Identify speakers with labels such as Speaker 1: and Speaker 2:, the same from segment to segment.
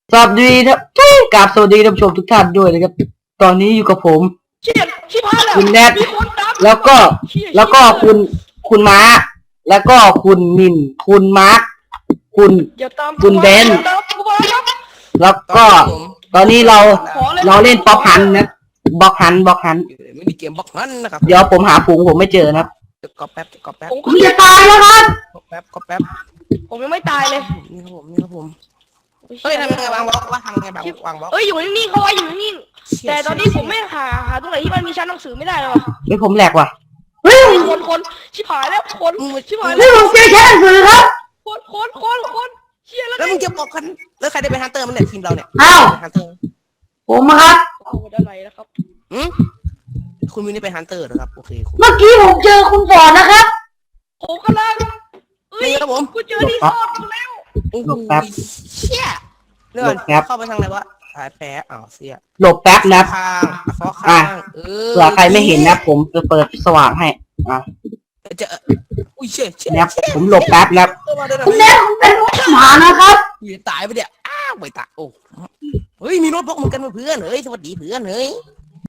Speaker 1: สวัสดีครับกราบสวัสดีท่านผู้ชมทุกท่านด้วยนะครับตอนนี้อยู่กับผม
Speaker 2: ชิบหายแล้ว
Speaker 1: คุณแนท
Speaker 2: มีคนตาม
Speaker 1: แล้วก็
Speaker 2: เชี่ย
Speaker 1: แล้วก็คุณม้าแล้วก็คุณมินคุณมาร์คคุณ
Speaker 2: อย่าตาม
Speaker 1: คุณเบน
Speaker 2: อย่าตามกูมาครับ
Speaker 1: แล้วก็ตอนนี้เรา
Speaker 2: ขอเลย
Speaker 1: เล่นป๊อปฮันนะบล็อกฮัน
Speaker 3: ไม่มีเกมบล็อกนั้นนะครับ
Speaker 1: เดี๋ยวผมหาฝูงผมไม่เจอนะครับ
Speaker 3: ก็แป๊บก็แป๊บ
Speaker 2: ผม
Speaker 1: ผมจะตายแล้วครับ
Speaker 3: ก็แป๊บก็แป๊บ
Speaker 2: ผมยังไม่ตายเลย
Speaker 3: นี่ครับผมเฮ้ยทำยังไงวางบล็อกว่าทำยังไงวางบล็อก
Speaker 2: เอ้ยอยู่นิ่งๆเขาไว้อยู่นิ่งๆแต่ตอนนี้ผมไม่หาตรงไหนที่มันมีชั้นหนังสือไม่ได้เลยว่ะ
Speaker 1: เฮ้ยผมแหลกว่ะ
Speaker 2: คนชิบหายแล้วคนชิบหาย
Speaker 1: เฮ้
Speaker 2: แล้
Speaker 1: ยว ผมเจอแค่หนังสือครับ
Speaker 2: คนเชี่ยแล้ว
Speaker 3: แล้วมึงจะบอกกันแล้วใครได้เป็นฮันเตอร์มันเนี่ยทีมเราเนี่ย
Speaker 1: อ้าว
Speaker 3: ฮันเตอร์
Speaker 1: ผมครับ
Speaker 2: เอาด้านไหนแล้วครับ
Speaker 3: คุณมิวนี่เป็นฮันเตอร์นะครับโอเคคุณ
Speaker 1: เมื่อกี้ผมเจอคุณฟอร์ดนะครับ
Speaker 2: ผมกำลังเอ้ย
Speaker 3: นี่ครับผม
Speaker 2: กูเจอดีซอดกูแล้ว
Speaker 3: โอ้โหเชี่ยเรื่องเข้าไปทางไหนวะหายแพ้อ้าวเสีย
Speaker 1: หลบแป๊บนะ
Speaker 3: ข้างฟอกข้าง
Speaker 1: เผื่อใครไม่เห็นนะผมจะเปิดสว่างให้
Speaker 3: จะอุ้ยเชี่ย
Speaker 1: นะครับผมหลบแป๊บนะครับ
Speaker 3: คุณแม่
Speaker 1: ผมเป็นหมานะครับ
Speaker 3: อยู่ตายไปเดี๋ยวอ้าวไปตายโอ้เฮ้ยมีโน้ตบุ๊กเหมือนกันเพื่อนเฮ้ยสวัสดีเพื่อนเฮ้ย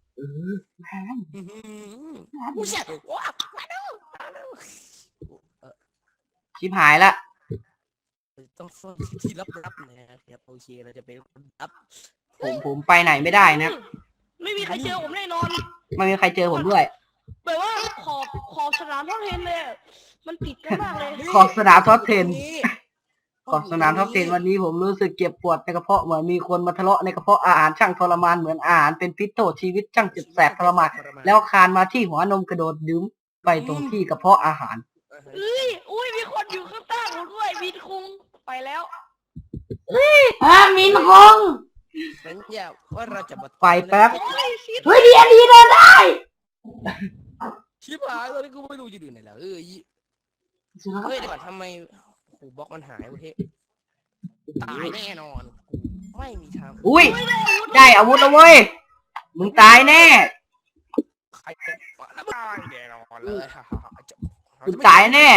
Speaker 3: กูเชี่ยว้าวมาดู
Speaker 1: ชิบหายละ
Speaker 3: ต้องซ่อนที่ลับๆนะครับโอเคเราจะเป็นคนลับ
Speaker 1: ผมไปไหนไม่ได้นะ
Speaker 2: ไม่มีใครเจอผมแน่นอน
Speaker 1: ไม่มีใครเจอผมด้วย
Speaker 2: แบบว่าขอบสนามท่องเทนเลยมันติดกันมากเลย
Speaker 1: ขอบสนามท็อป10ขอบสนามท็อป10วันนี้ผมรู้สึกเจ็บปวดในกระเพาะเหมือนมีคนมาทะเลาะในกระเพาะอาหารช่างทรมานเหมือนอาหารเป็นพิษโทษชีวิตช่างเจ็บแสบทรมานแล้วคานมาที่หัวนมกระโดดดื่มไปตรงที่กระเพาะอาหาร
Speaker 2: อุ้ยมีคนอยู่ข้างใต้ผมด้วยมีคุงไปแล้ว
Speaker 1: มินคง
Speaker 3: สัญญาว่าเราจะ
Speaker 1: ไปแป๊บ
Speaker 2: โอ้ยชิด
Speaker 1: เฮ้ยดีเดินได้
Speaker 3: ชิบหายตอนนี้กูไม่รู้จะดูไหนแล้วเฮ้ยเดี๋ยวก่อนทำไมหูบล็อกมันหายเว้ยตายแน่นอนไม่มีทาง
Speaker 1: อุ้ยได้อาวุธแล้วเว้ยมึงตายแน่
Speaker 3: ใครแล้วตายแน่นอนเลย
Speaker 1: มึงตายแน่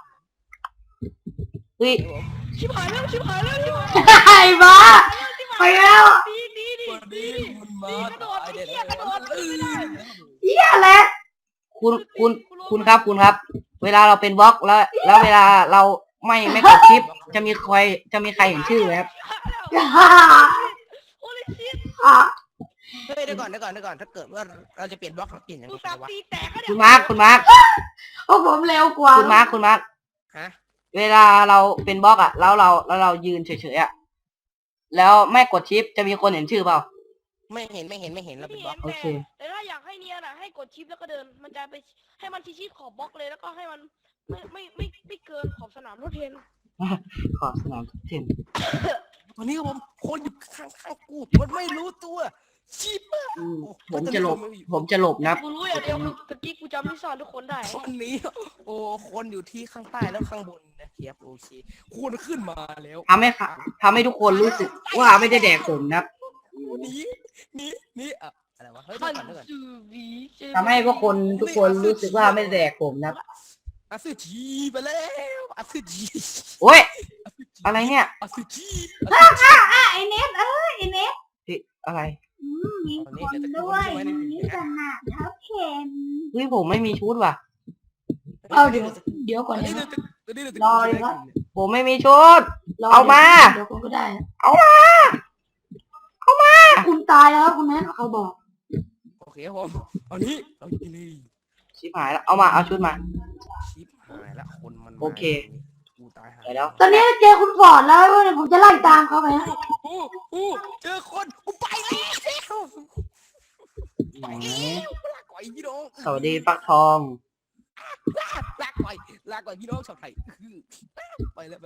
Speaker 1: เฮ้ย
Speaker 2: ชิบหายแล้วชิบหายแล้วชิบหาย
Speaker 1: ไอ้บ้าไปแล้ว
Speaker 2: ดี
Speaker 3: คุณมาก
Speaker 2: ระโดด
Speaker 3: ตาย
Speaker 2: ไอ้
Speaker 3: แน่
Speaker 2: เหี้ยกระโดดไม่ได้
Speaker 1: เหี้ยแหละคุณครับ เวลาเราเป็นบล็อกแล้วเวลาเราไม่กดชิปจะมีใครเห็นชื่อไหมครับ
Speaker 2: โอ้ยชิด
Speaker 3: เฮ้ยเดี๋ยวก่อนถ้าเกิดว่าเราจะเปลี่ยนบล็อกเราเปลี่ยนยัง
Speaker 2: กู
Speaker 3: ไง
Speaker 2: สับ
Speaker 3: วะ
Speaker 2: ตีแตก
Speaker 1: คุณมาร์ค
Speaker 4: โอ้ผมเร็วกว่า
Speaker 1: คุณมาร์ค
Speaker 3: ฮะ
Speaker 1: เวลาเราเป็นบล็อกอ่ะแล้วเรายืนเฉยๆอ่ะแล้วไม่กดชิปจะมีคนเห็นชื่อเปล่า
Speaker 3: ไม่เห็นเราเป็นบล็อก
Speaker 1: โอเค
Speaker 2: แต่ถ้าอยากให้เนียนอ่ะให้กดชิปแล้วก็เดินมันจะไปให้มันชิดขอบบล็อกเลยแล้วก็ให้มันไม่เกินขอบสนามรถเทน
Speaker 1: ขอสนามทุกเทน
Speaker 3: วันนี้ผมคนอยู่ข้างกูมันไม่รู้ตัวชิบ
Speaker 1: ผมจะหลบนะ
Speaker 2: กูรู้อย่างเดียวคือตะกี้กูจำที่สอนทุกคนได้
Speaker 3: วันนี้โอ้คนอยู่ที่ข้างใต้แล้วข้างบนนะครับโอเคคุณขึ้นมาแล้ว
Speaker 1: ทำให้ทุกคนรู้สึกว่าไม่ได้แดกผมนะครับ
Speaker 3: นี่อะไรวะเฮ้ย
Speaker 2: ขัน
Speaker 3: เดี๋ยวก่อน
Speaker 2: ซูวี
Speaker 1: ทำให้พวกคนทุกคนรู้สึกว่าไม่ได้แดกผมนะครับ
Speaker 3: อาซึจีไปแล้วอาซึจี
Speaker 1: โอ้ยอะไรเนี่ย
Speaker 3: อาซึจี
Speaker 4: ไอเน็ตไอเน็ต
Speaker 1: อะไร
Speaker 4: มีคนด้วยมีสนามเท้าเข็ม
Speaker 1: เฮ้ยผมไม่มีชุดว่ะ
Speaker 4: เอาเดี๋ยวก่อนนะ รอเลยครับ
Speaker 1: ผมไม่มีชุด เอามา
Speaker 4: เดี๋ยวคุณก็ได้
Speaker 1: เอามา
Speaker 4: คุณตายแล้วครับคุณแม่เขาบอก
Speaker 3: โอเคผมเอานี้เอานี่
Speaker 1: ชิบหายแล้วเอามาเอาชุดมา
Speaker 3: ชิปหายละคนมัน
Speaker 1: โอเค
Speaker 3: กูตายหา
Speaker 1: ไปแล้ว
Speaker 4: ตอนนี้เจอคุณฟอร์ดแล้วผมจะไล่ตามเขาไปนะ
Speaker 3: เจอคนกูไปแล้ว
Speaker 1: ไหน
Speaker 3: ลากก่อยพี่น้อง
Speaker 1: สวัสดีฟักทอง
Speaker 3: ลากก่อยพี่น้องชาวไทยไปแล้ว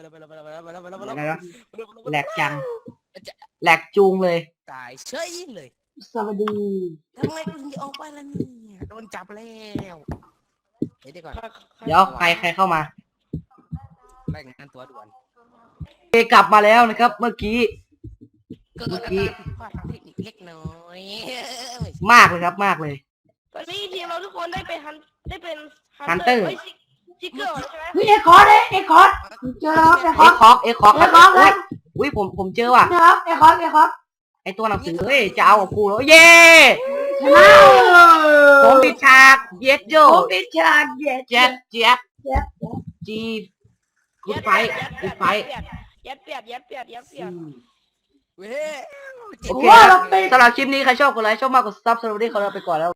Speaker 1: แหลกจังแหลกจูงเลย
Speaker 3: ตายเฉยเลย
Speaker 4: สวัสดี
Speaker 3: ทำไมกูถึงออกไปล่ะเนี่ยโดนจับแล้วเดี๋ยวก่อน
Speaker 1: เดี๋ยวใครเข้ามา
Speaker 3: รายงานตัวด่วน
Speaker 1: กลับมาแล้วนะครับ เมื่อกี้
Speaker 3: เกิดอาการผิดพลาดทางเทคนิคเล็กน้อย
Speaker 1: มากเลยครับมากเลย
Speaker 2: ตอนนี้ทีมเราทุกคนได้เป็น
Speaker 1: ฮันเตอร์
Speaker 2: จิกเกอร์ใช่ไหม
Speaker 4: เฮ้ยเอคอร์ดเจอแล้วเอคอร์ด
Speaker 1: เอ็กคอก
Speaker 4: เอคอร์ด
Speaker 1: โอ้ยอุ้ยผมเจอว่ะ
Speaker 4: นะครับไอ้ครับ
Speaker 1: ไอตัวหนังสือเฮ้ยจะเอากับกูแล้วเย้
Speaker 4: ชนะ
Speaker 1: ผมปิดฉากเย็ดโย
Speaker 4: ผมปิดฉากเย็ด
Speaker 1: เจ็ดเจ็บ
Speaker 4: เจ็ด
Speaker 1: จีกูไฟกูไฟ
Speaker 2: ยัดเปียด
Speaker 3: เว้ย
Speaker 1: โอเคสำหรับคลิปนี้ใครชอบกดไลค์ชอบมากกดซับสไครต์ขอลาไปก่อนแล้ว